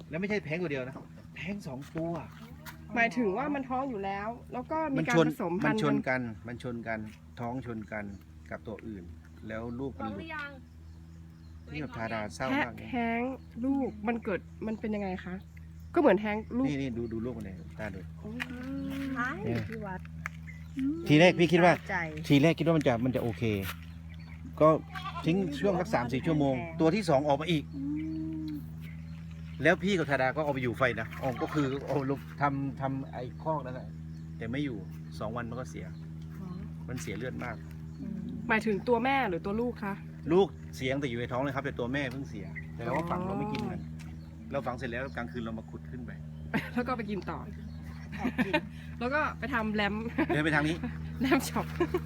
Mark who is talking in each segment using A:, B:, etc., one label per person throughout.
A: แล้วไม่ใช่แท้งตัวเดียวนะแท้ง2 ตัว
B: หมายถึงว่ามันท้องอยู่แล้ว แล้วก็มีการผสมพั
A: มัน
B: นธุ์
A: ชนกันท้องชนกันกับตัวอื่น แล้วลูกมันหลุดนี่แบบทาดาเศร้า
B: แท้
A: มากเลย
B: แท้งลูกมันเกิดมันเป็นยังไงคะก็เหมือนแท้งลูก
A: นี่ดูลูกมันเลยตาดู
C: ใช่ที่วัด
A: ทีแรกพี่คิดว่า
C: ใจ
A: ทีแรกคิดว่ามันจะโอเค ก็ทิ้งช่วงสัก3-4 ชั่วโมง ตัวที่ 2ออกมาอีก แล้วพี่กับธาดาก็เอาไปอยู่ไฟนะออกก็คือเอาลงทำไอ้คอกนั่นแหละแต่ไม่อยู่2 วันมันก็เสีย มันเสียเลือดมาก
B: หมายถึงตัวแม่หรือตัวลูกคะ
A: ลูกเสียงแต่อยู่ในท้องเลยครับแต่ตัวแม่เพิ่งเสีย แต่เราก็ฝังเราไม่กินมันเราฝังเสร็จแล้วกลางคืนเรามาขุดขึ้นไป
B: แล้วก็ไปกินต่อ แล้วก็ไปทำแรม
A: เดินไปทางนี้
B: แรมช็อป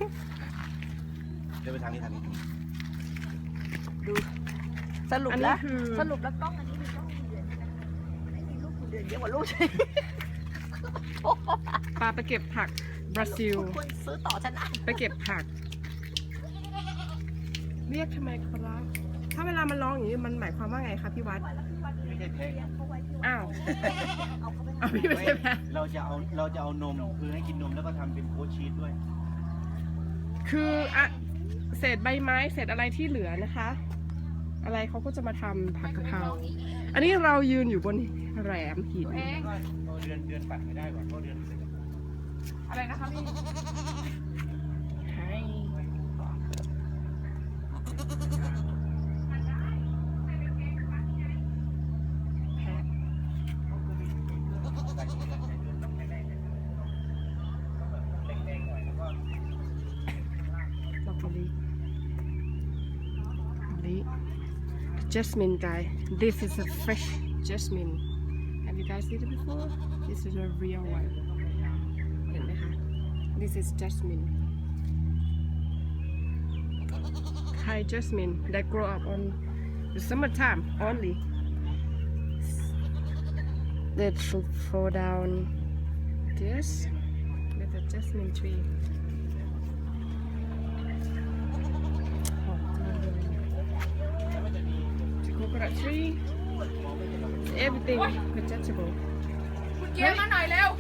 A: เดินไปทางนี้
C: ดูสรุป
B: อัน
C: แล้
B: นี้
C: ว
B: คือ
C: สรุปแล้วกล้องอันนี้คือกล้องกี่เดือนไม่มีลูกกี่เดือนเยอะกว่าลูกใช่
B: ปลาไปเก็บผักบราซิล
C: ควรซื้อต่อฉันนะ
B: ไปเก็บผัก เรียกทำไมครับ ถ้าเวลามันร้องอย่างนี้มันหมายความว่าไงคะพี่วัด
A: ไม่ใช่แพ้
B: อ้าว
C: เอาเขาไป
B: เอาพี่ไม่ใช่แพ้
A: เราจะเอานมคือให้กินนมแล้วก็ทำเป็นโค้ชชีสด้วย
B: คืออะเศษใบไม้เศษอะไรที่เหลือนะคะ อะไรเขาก็จะมาทำผักกะเพราอันนี้เรายืนอยู่บนแหลมหิน
A: ก็เดือนปัดไม่ได้ว่ะเพราะเดือนเสร็จแล้ว
B: อะไรนะคะพี่ให้ แพะดอกมะลิมะลิ jasmine guy this is a fresh jasmine have you guys seen it before this is a real one เห็นไหมคะ this is jasmine Thai jasmine that grow up on the summertime only that should fall down this with the jasmine tree หอมจังเลย The coconut tree everything vegetable
D: เกียร์มาหน่อยเร็ว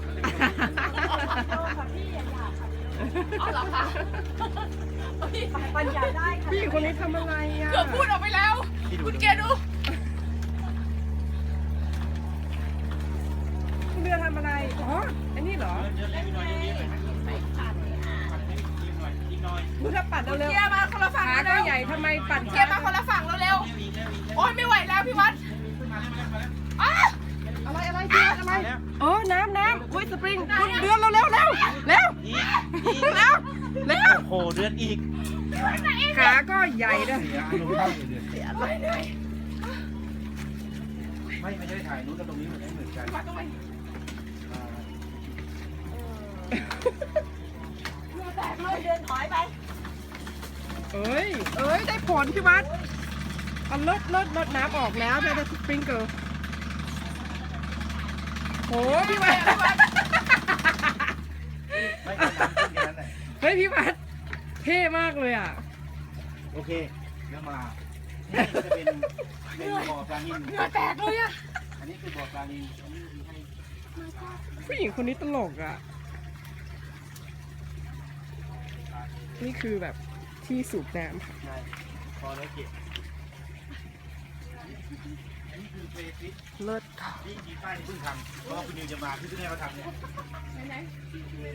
D: เอาเหรอคะ
C: ปัญญาได้ค่ะ
B: ผู้หญิงคนนี้ทำอะไรอ่ะ
D: เกือบพูดออกไปแล้ว คุณเกียร์ดู
B: คุณเรือทำอะไร อ๋อ อันนี้เหรอดูถ้าปัดเร็ว
D: เกียร์มาคนละ
B: ๆ
D: ฝั่ง
B: ขาก็
D: เร็ว
B: ใหญ่ทำไมปัด
D: เกียร์มาคนละฝั่งเร็วๆโอ๊ยไม่ไหวแล้วพี่วัดอ้า
B: อะไรอะไรพี่วัดอะไรอ๋อน้ำอุ้ยสปริงคุณเรือเร็วเร็วเร็วเร็วเร็ว
A: โอ้โหเดือนอีก
B: ขาก็ใหญ่ด้วย
A: เสียอารมณ์เข้าเดือนไม่ได้ถ่ายนู้นกับตรงนี้เหมือนกัน
D: วัดต้องไปเหงื่อแตกเลย
C: เดินถอยไป
B: เอ้ยได้ผลพี่วัดเอาลดน้ำออกแล้วได้สปริงเกิลโหพี่วัด
A: ไม่ได้น้ำขึ้นแค่นั้นแหละ
B: เฮ้ยพี่วัดเท่มากเลยอ่ะ
A: โอเคเรื่องมานี่ก็จะเป็นบ่อปลานิล
D: เหงื่อแตกเลยอะ
A: อันนี้คือบ่อปลานิลอันนี้คือให้
B: ผู้หญิงคนนี้ตลกอ่ะ นี่คือแบบที่สูบน้ำค่ะ
A: ใช่พอแล้วเก็บอันนี้คือเฟรฟิต
B: เลิศ
A: ที่กีป้ายที่เพิ่งทำเพราะว่าคุณนิวจะมาที่เพิ่งให้เขาทำเนี่ย